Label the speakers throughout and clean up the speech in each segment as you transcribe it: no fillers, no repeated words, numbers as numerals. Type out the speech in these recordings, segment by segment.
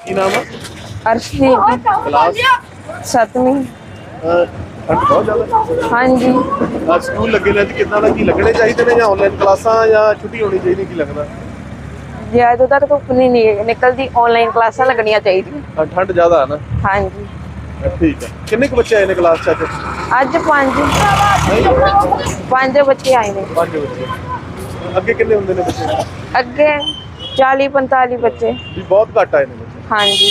Speaker 1: ਕੀ ਨਾਮ ਆ?
Speaker 2: अर्शदीप
Speaker 1: ਕਲਾਸ
Speaker 2: 7वीं।
Speaker 1: ਠੰਡ ਬਹੁਤ ਜ਼ਿਆਦਾ।
Speaker 2: हाँ जी।
Speaker 1: ਸਕੂਲ ਲੱਗੇ ਨੇ ਤੇ ਕਿੰਨਾ ਦਾ ਕੀ ਲੱਗਣੇ ਚਾਹੀਦੇ ਨੇ ਜਾਂ ਆਨਲਾਈਨ ਕਲਾਸਾਂ ਜਾਂ ਛੁੱਟੀ ਹੋਣੀ ਚਾਹੀਦੀ ਕੀ ਲੱਗਦਾ?
Speaker 2: ज्यादातर तो नहीं निकलती, ऑनलाइन क्लासा लगनिया चाहिए।
Speaker 1: ਠੰਡ ਜ਼ਿਆਦਾ ਹੈ ਨਾ।
Speaker 2: हाँ जी।
Speaker 1: ਠੀਕ ਹੈ। ਕਿੰਨੇ ਕੁ ਬੱਚੇ ਆਏ ਨੇ ਕਲਾਸ ਚ ਅੱਜ?
Speaker 2: अज 5 बच्चे आए ने।
Speaker 1: 5 ਬੱਚੇ। ਅੱਗੇ ਕਿੰਨੇ ਹੁੰਦੇ ਨੇ ਬੱਚੇ?
Speaker 2: अगे 40-45 बच्चे।
Speaker 1: ਵੀ ਬਹੁਤ ਘੱਟ ਆਏ ਨੇ ਬੱਚੇ।
Speaker 2: हाँ जी।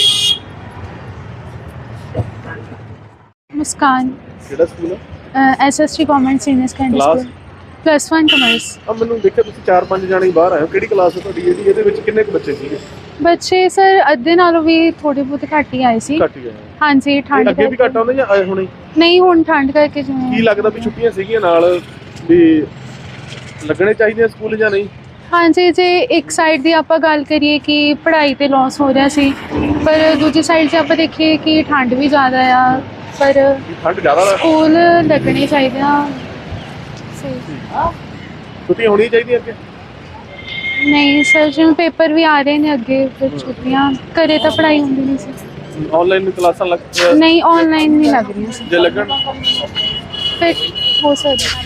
Speaker 3: मुस्कान
Speaker 1: ਕਿਹੜਾ ਸਕੂਲ ਹੈ?
Speaker 3: SST government senior secondary
Speaker 1: Class?
Speaker 3: School +1 commerce.
Speaker 1: ਆ ਮੈਨੂੰ ਦੇਖਿਆ ਤੁਸੀਂ 4-5 ਜਾਣੇ ਬਾਹਰ ਆਏ ਹੋ। ਕਿਹੜੀ ਕਲਾਸ ਹੈ ਤੁਹਾਡੀ? ਇਹਦੇ ਵਿੱਚ ਕਿੰਨੇ ਕੁ ਬੱਚੇ ਸੀਗੇ?
Speaker 3: ਬੱਚੇ ਸਰ ਅੱਧੇ ਨਾਲੋਂ ਵੀ ਥੋੜੇ ਬਹੁਤ ਘੱਟ ਹੀ ਆਏ ਸੀ।
Speaker 1: ਘੱਟ ਹੀ ਆਏ।
Speaker 3: ਹਾਂਜੀ ਠੰਡ
Speaker 1: ਅੱਗੇ ਵੀ ਘੱਟ ਆਉਂਦੇ ਜਾਂ ਆਏ ਹੁਣੇ?
Speaker 3: ਨਹੀਂ ਹੁਣ ਠੰਡ ਕਰਕੇ
Speaker 1: ਕੀ
Speaker 3: ਜਿਵੇਂ
Speaker 1: ਲੱਗਦਾ ਵੀ ਛੁੱਟੀਆਂ ਸੀਗੀਆਂ ਨਾਲ ਵੀ ਲੱਗਣੇ ਚਾਹੀਦੇ ਸਕੂਲ ਜਾਂ ਨਹੀਂ?
Speaker 3: ਹਾਂਜੀ ਜੇ ਇੱਕ ਸਾਈਡ ਦੀ ਆਪਾਂ ਗੱਲ ਕਰੀਏ ਕਿ ਪੜ੍ਹਾਈ ਤੇ ਲਾਸ ਹੋ ਰਿਹਾ ਸੀ, ਪਰ ਦੂਜੀ ਸਾਈਡ 'ਤੇ ਆਪਾਂ ਦੇਖੀਏ ਕਿ ਠੰਡ ਵੀ ਜ਼ਿਆਦਾ ਆ, ਪਰ
Speaker 1: ਵੀ ਠੰਡ ਜ਼ਿਆਦਾ ਹੈ।
Speaker 3: ਸਕੂਲ ਲੱਗਣੇ ਚਾਹੀਦੇ ਆ। ਸਹੀ
Speaker 1: ਛੁੱਟੀਆਂ ਹੋਣੀਆਂ ਚਾਹੀਦੀਆਂ ਅੱਗੇ?
Speaker 3: ਨਹੀਂ ਸਰ ਜਿਵੇਂ ਪੇਪਰ ਵੀ ਆ ਰਹੇ ਨੇ ਅੱਗੇ, ਫਿਰ ਛੁੱਟੀਆਂ ਘਰੇ ਤਾਂ ਪੜ੍ਹਾਈ ਹੁੰਦੀ ਨਹੀਂ ਸੀ।
Speaker 1: ਆਨਲਾਈਨ ਕਲਾਸਾਂ ਲੱਗ
Speaker 3: ਨਹੀਂ ਆਨਲਾਈਨ ਨਹੀਂ ਲੱਗ ਰਹੀਆਂ ਸੀ,
Speaker 1: ਜੇ ਲੱਗਣ
Speaker 3: ਫਿਰ ਹੋ ਸਕਦਾ।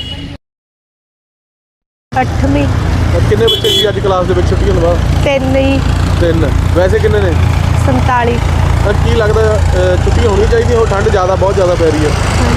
Speaker 2: 8वीं।
Speaker 1: ਕਿੰਨੇ ਬੱਚੇ ਸੀ ਅੱਜ ਕਲਾਸ ਦੇ ਵਿੱਚ ਛੁੱਟੀਆਂ ਤੋਂ ਬਾਅਦ?
Speaker 2: 3 ही।
Speaker 1: 3। ਵੈਸੇ ਕਿੰਨੇ ਨੇ?
Speaker 2: 47।
Speaker 1: ਤਾਂ ਕੀ ਲੱਗਦਾ ਛੁੱਟੀਆਂ ਹੋਣੀਆਂ ਚਾਹੀਦੀਆਂ? ਉਹ ਠੰਡ ਜ਼ਿਆਦਾ ਬਹੁਤ ਜ਼ਿਆਦਾ ਪੈ ਰਹੀ ਹੈ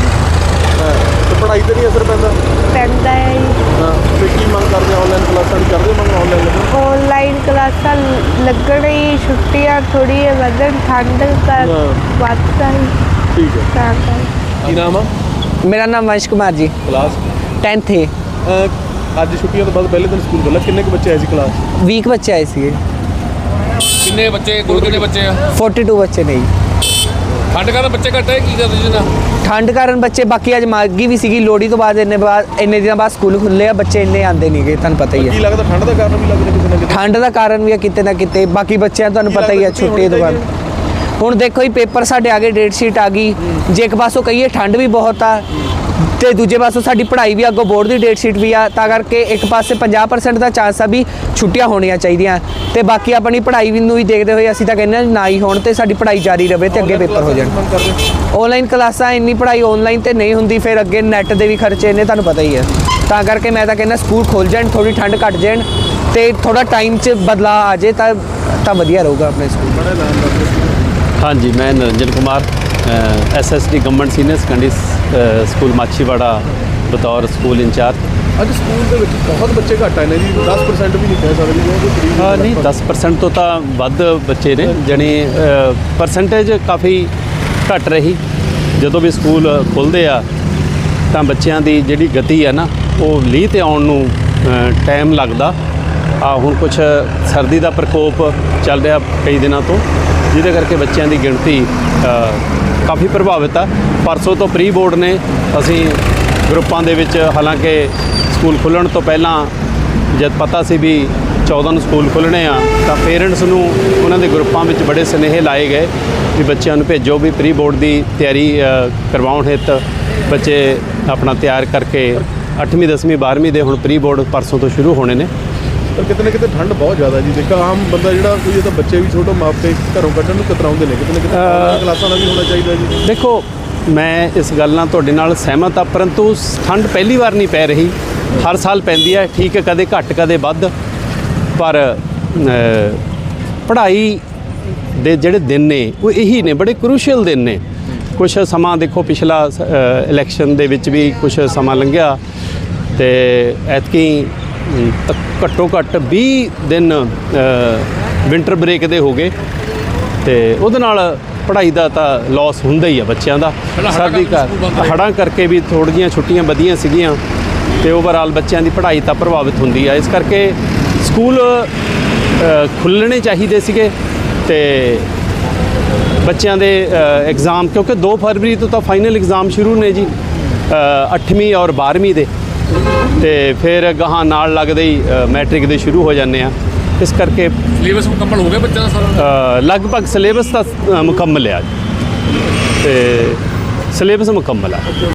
Speaker 1: ਤੇ ਪੜ੍ਹਾਈ ਤੇ ਨਹੀਂ ਅਸਰ ਪੈਂਦਾ?
Speaker 2: पैंदा है जी।
Speaker 1: ਹਾਂ ਤੇ ਕੀ ਮੰਗ ਕਰਦੇ? ਆਨਲਾਈਨ ਕਲਾਸਾਂ ਦੀ ਕਰਦੇ ਮੰਗ? ਆਨਲਾਈਨ
Speaker 2: ऑनलाइन क्लासा लगन ही, छुट्टियां थोड़ी वधन, ठंड का वास्ता ही।
Speaker 1: ਠੀਕ ਹੈ। ਕੀ ਨਾਮ ਆ?
Speaker 4: मेरा नाम वंश कुमार जी,
Speaker 1: ਕਲਾਸ
Speaker 4: 10th है।
Speaker 1: ਅੱਜ ਛੁੱਟੀਆਂ ਤੋਂ ਬਾਅਦ ਪਹਿਲੇ ਦਿਨ ਸਕੂਲ ਖੁੱਲ੍ਹਾ। ਕਿੰਨੇ ਕੁ ਬੱਚੇ ਆਏ ਸੀ ਕਲਾਸ?
Speaker 4: 20 ਬੱਚੇ ਆਏ ਸੀਗੇ।
Speaker 5: ਕਿੰਨੇ ਬੱਚੇ? ਕੁੱਲ ਕਿੰਨੇ ਬੱਚੇ ਆ?
Speaker 4: 42 ਬੱਚੇ ਨਹੀਂ।
Speaker 5: ਠੰਡ ਕਾਰਨ ਬੱਚੇ ਘੱਟ ਹੈ, ਕੀ ਕਰਦੇ ਜੀ ਨਾ?
Speaker 4: ਠੰਡ ਕਾਰਨ ਬੱਚੇ, ਬਾਕੀ ਅੱਜ ਮਾਗੀ ਵੀ ਸੀਗੀ ਲੋਹੜੀ ਤੋਂ ਬਾਅਦ, ਇੰਨੇ ਦਿਨਾਂ ਬਾਅਦ ਸਕੂਲ ਖੁੱਲੇ ਆ, ਬੱਚੇ ਇੰਨੇ ਆਉਂਦੇ ਨਹੀਂਗੇ, ਤੁਹਾਨੂੰ ਪਤਾ ਹੀ
Speaker 1: ਕੀ
Speaker 4: ਹੈ।
Speaker 1: ਲੱਗਦਾ ਠੰਡ ਦਾ ਕਾਰਨ ਵੀ ਲੱਗਦਾ ਕਿਸੇ ਨਾ ਕਿਤੇ?
Speaker 4: ਠੰਡ ਦਾ ਕਾਰਨ ਵੀ ਆ ਕਿਤੇ ਨਾ ਕਿਤੇ, ਬਾਕੀ ਬੱਚਿਆਂ ਤੁਹਾਨੂੰ ਪਤਾ ਹੀ ਹੈ ਛੁੱਟੀ ਤੋਂ ਬਾਅਦ। ਹੁਣ ਦੇਖੋ ਜੀ ਪੇਪਰ ਸਾਡੇ ਆ ਗਏ, ਡੇਟ ਸ਼ੀਟ ਆ ਗਈ। ਜੇ ਇੱਕ ਪਾਸੋਂ ਕਹੀਏ ਠੰਡ ਵੀ ਬਹੁਤ ਆ ਤੇ ਦੂਜੇ ਪਾਸੋਂ ਸਾਡੀ ਪੜ੍ਹਾਈ ਵੀ ਅੱਗੋਂ ਬੋਰਡ ਦੀ ਡੇਟ ਸ਼ੀਟ ਵੀ ਆ, ਤਾਂ ਕਰਕੇ ਇੱਕ ਪਾਸੇ 50% ਦਾ ਚਾਂਸ ਆ ਵੀ ਛੁੱਟੀਆਂ ਹੋਣੀਆਂ ਚਾਹੀਦੀਆਂ, ਤੇ ਬਾਕੀ ਆਪਣੀ ਪੜ੍ਹਾਈ ਵੀ ਨੂੰ ਵੀ ਦੇਖਦੇ ਹੋਏ ਅਸੀਂ ਤਾਂ ਕਹਿੰਦੇ ਹਾਂ ਨਾ ਹੀ ਹੋਣ ਤੇ ਸਾਡੀ ਪੜ੍ਹਾਈ ਜਾਰੀ ਰਹੇ ਤੇ ਅੱਗੇ ਪੇਪਰ ਹੋ ਜਾਣ। ਆਨਲਾਈਨ ਕਲਾਸਾਂ ਇੰਨੀ ਪੜ੍ਹਾਈ ਆਨਲਾਈਨ ਤੇ ਨਹੀਂ ਹੁੰਦੀ, ਫਿਰ ਅੱਗੇ ਨੈੱਟ ਦੇ ਵੀ ਖਰਚੇ ਨੇ, ਤੁਹਾਨੂੰ ਪਤਾ ਹੀ ਹੈ। ਤਾਂ ਕਰਕੇ ਮੈਂ ਤਾਂ ਕਹਿੰਦਾ ਸਕੂਲ ਖੁੱਲ੍ਹ ਜਾਣ, ਥੋੜ੍ਹੀ ਠੰਡ ਘੱਟ ਜਾਣ ਤੇ ਥੋੜਾ ਟਾਈਮ 'ਚ ਬਦਲਾਅ ਆ ਜਾਏ ਤਾਂ ਵਧੀਆ ਰਹੂਗਾ ਆਪਣੇ ਸਕੂਲ।
Speaker 6: हाँ जी, मैं Niranjan Kumar SST government senior secondary school Machhiwara बतौर स्कूल इंचार्ज।
Speaker 1: ਅੱਜ ਸਕੂਲ ਦੇ ਵਿੱਚ ਬਹੁਤ ਬੱਚੇ ਘੱਟ ਆਏ ਨੇ ਜੀ। 10% ਵੀ ਨਹੀਂ ਕਹਿ ਸਕਦੇ ਜੀ।
Speaker 6: ਹਾਂ ਨਹੀਂ 10% ਤੋਂ ਤਾਂ ਵੱਧ ਬੱਚੇ ਨੇ, ਜਾਣੀ ਪਰਸੈਂਟੇਜ ਕਾਫੀ ਘੱਟ ਰਹੀ। ਜਦੋਂ ਵੀ ਸਕੂਲ ਖੁੱਲ੍ਹਦੇ ਆ ਤਾਂ ਬੱਚਿਆਂ ਦੀ ਜਿਹੜੀ ਗਤੀ ਆ ਨਾ, ਉਹ ਲੀਹ ਤੇ ਆਉਣ ਨੂੰ ਟਾਈਮ ਲੱਗਦਾ ਆ। ਹੁਣ ਕੁਛ ਸਰਦੀ ਦਾ ਪ੍ਰਕੋਪ ਚੱਲ ਰਿਹਾ ਕਈ ਦਿਨਾਂ ਤੋਂ, ਜਿਹਦੇ ਕਰਕੇ ਬੱਚਿਆਂ ਦੀ ਗਿਣਤੀ ਕਾਫੀ ਪ੍ਰਭਾਵਿਤ ਆ। ਪਰਸੋਂ ਤੋਂ ਪ੍ਰੀ ਬੋਰਡ ਨੇ, ਅਸੀਂ ਗਰੁੱਪਾਂ ਦੇ ਵਿੱਚ, ਹਾਲਾਂਕਿ ਸਕੂਲ ਖੁੱਲ੍ਹਣ ਤੋਂ ਪਹਿਲਾਂ ਜਦ ਪਤਾ ਸੀ ਵੀ 14 ਨੂੰ ਸਕੂਲ ਖੁੱਲ੍ਹਣੇ ਆ, ਤਾਂ ਪੇਰੈਂਟਸ ਨੂੰ ਉਹਨਾਂ ਦੇ ਗਰੁੱਪਾਂ ਵਿੱਚ ਬੜੇ ਸੁਨੇਹੇ ਲਾਏ ਗਏ ਵੀ ਬੱਚਿਆਂ ਨੂੰ ਭੇਜੋ, ਵੀ ਪ੍ਰੀ ਬੋਰਡ ਦੀ ਤਿਆਰੀ ਕਰਵਾਉਣ ਹਿੱਤ ਬੱਚੇ ਆਪਣਾ ਤਿਆਰ ਕਰਕੇ 8ਵੀਂ 10ਵੀਂ 12ਵੀਂ ਦੇ ਹੁਣ ਪ੍ਰੀ ਬੋਰਡ ਪਰਸੋਂ ਤੋਂ ਸ਼ੁਰੂ ਹੋਣੇ ਨੇ।
Speaker 1: ਪਰ ਕਿਤੇ ਨਾ ਕਿਤੇ ਠੰਡ ਬਹੁਤ ਜ਼ਿਆਦਾ ਜੀ। ਦੇਖੋ ਆਮ ਬੰਦਾ ਜਿਹੜਾ ਕੋਈ, ਤਾਂ ਬੱਚੇ ਵੀ ਛੋਟੇ ਮਾਪੇ ਘਰੋਂ ਕੱਢਣ ਨੂੰ ਕਤਰਾਉਂਦੇ ਨੇ। ਕਿਤੇ ਨਾ ਕਿਤੇ ਕਲਾਸਾਂ ਦਾ ਵੀ ਹੋਣਾ ਚਾਹੀਦਾ ਜੀ।
Speaker 6: ਦੇਖੋ ਮੈਂ ਇਸ ਗੱਲ ਨਾਲ ਤੁਹਾਡੇ ਨਾਲ ਸਹਿਮਤ ਹਾਂ, ਪਰੰਤੂ ਠੰਡ ਪਹਿਲੀ ਵਾਰ ਨਹੀਂ ਪੈ ਰਹੀ, ਹਰ ਸਾਲ ਪੈਂਦੀ ਹੈ। ਠੀਕ ਹੈ, ਕਦੇ ਘੱਟ ਕਦੇ ਵੱਧ, ਪਰ ਪੜ੍ਹਾਈ ਦੇ ਜਿਹੜੇ ਦਿਨ ਨੇ ਉਹ ਇਹੀ ਨੇ, ਬੜੇ ਕਰੂਸ਼ੀਅਲ ਦਿਨ ਨੇ। ਕੁਛ ਸਮਾਂ ਦੇਖੋ, ਪਿਛਲਾ ਇਲੈਕਸ਼ਨ ਦੇ ਵਿੱਚ ਵੀ ਕੁਛ ਸਮਾਂ ਲੰਘਿਆ ਤੇ ਐਤਕੀ ਘੱਟੋ ਘੱਟ 20 ਦਿਨ ਵਿੰਟਰ ਬ੍ਰੇਕ ਦੇ ਹੋ ਗਏ, ਤੇ ਉਹਦੇ ਨਾਲ ਪੜ੍ਹਾਈ ਦਾ ਤਾਂ ਲਾਸ ਹੁੰਦਾ ਹੀ ਆ ਬੱਚਿਆਂ ਦਾ। ਸਰਦੀ ਹੜ੍ਹਾਂ ਕਰਕੇ ਵੀ ਥੋੜ੍ਹੀਆਂ ਛੁੱਟੀਆਂ ਵਧੀਆਂ ਸੀਗੀਆਂ, ਤੇ ਓਵਰਆਲ ਬੱਚਿਆਂ ਦੀ ਪੜ੍ਹਾਈ ਤਾਂ ਪ੍ਰਭਾਵਿਤ ਹੁੰਦੀ ਆ। ਇਸ ਕਰਕੇ ਸਕੂਲ ਖੁੱਲ੍ਹਣੇ ਚਾਹੀਦੇ ਸੀਗੇ, ਤੇ ਬੱਚਿਆਂ ਦੇ ਐਗਜ਼ਾਮ, ਕਿਉਂਕਿ 2 ਫਰਵਰੀ ਤੋਂ ਤਾਂ ਫਾਈਨਲ ਐਗਜ਼ਾਮ ਸ਼ੁਰੂ ਨੇ ਜੀ, 8ਵੀਂ ਔਰ 12ਵੀਂ ਦੇ, ਤੇ ਫਿਰ ਗਾਹਾਂ ਨਾਲ ਲੱਗਦੇ ਹੀ ਮੈਟ੍ਰਿਕ ਦੇ ਸ਼ੁਰੂ ਹੋ ਜਾਂਦੇ ਆ। ਇਸ ਕਰਕੇ
Speaker 5: ਸਿਲੇਬਸ ਮੁਕੰਮਲ ਹੋ ਗਿਆ ਬੱਚਿਆਂ ਦਾ ਸਾਰਾ?
Speaker 6: ਲਗਭਗ ਸਿਲੇਬਸ ਤਾਂ ਮੁਕੰਮਲ ਆ, ਤੇ ਸਿਲੇਬਸ ਮੁਕੰਮਲ ਆ।